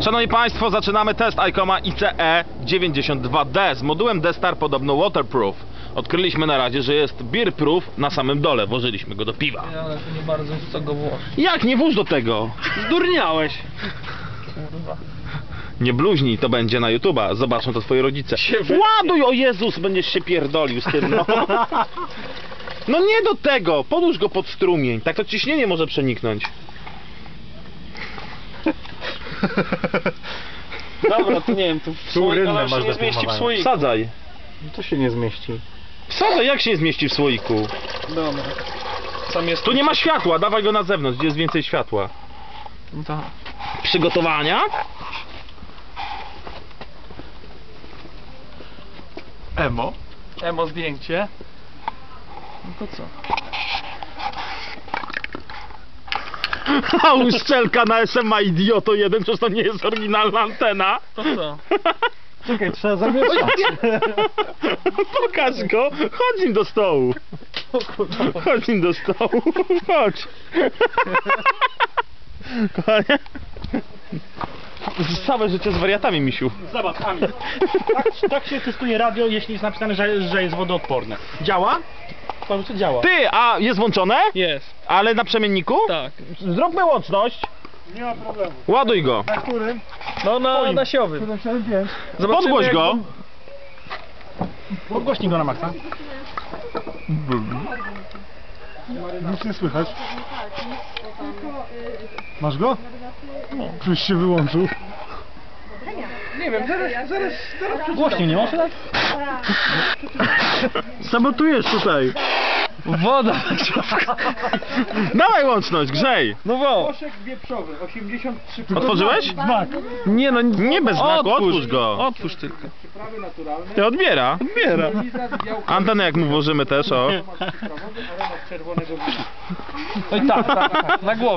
Szanowni Państwo, zaczynamy test ICOMA ICE 92D z modułem D-Star podobno waterproof. Odkryliśmy na razie, że jest beerproof na samym dole, włożyliśmy go do piwa. Ale to nie bardzo w co go włożyć. Jak? Nie włóż do tego! Zdurniałeś! Kurwa. Nie bluźnij, to będzie na YouTube'a, zobaczą to twoi rodzice. Ładuj, o Jezus, będziesz się pierdolił z tym, no. No nie do tego, podłóż go pod strumień, tak to ciśnienie może przeniknąć. Dobra, to nie wiem, tu w słoiku, ale się nie zmieści w słoiku. Wsadzaj. To się nie zmieści. Wsadzaj, jak się nie zmieści w słoiku? Dobra. Sam jest Tu nie ma światła, dawaj go na zewnątrz, gdzie jest więcej światła. No to... Przygotowania? Emo zdjęcie. No to co? A uszczelka na SMA idioto jeden, przecież to nie jest oryginalna antena. To co? Czekaj, trzeba zamieszać. Pokaż go, chodź nim do stołu. Chodź nim do stołu, chodź. Kochanie. Całe życie z wariatami, misiu. Zobacz, Ami. Tak się testuje radio, jeśli jest napisane, że jest wodoodporne. Działa? Patrz, co działa. Ty, a jest włączone? Jest. Ale na przemienniku? Tak. Zróbmy łączność. Nie ma problemu. Ładuj go. Na którym? No na siowym. 775. Podgłoś go. Podgłośnij go na maksa. Nic nie słychać. Masz go? No. Już się wyłączył. Nie wiem, zaraz Głośniej nie masz tak? Sabotujesz tutaj. Woda. Dawaj łączność, grzej. No wo. Koszek wieprzowy, 83. Otworzyłeś? Znak. Nie no, Nie bez znaku, otwórz go. Otwórz tylko. Przyprawy naturalne. Ty odbiera. Antenę jak mu włożymy też, o. Aromat czerwonego wina. Oj tak, na głowę.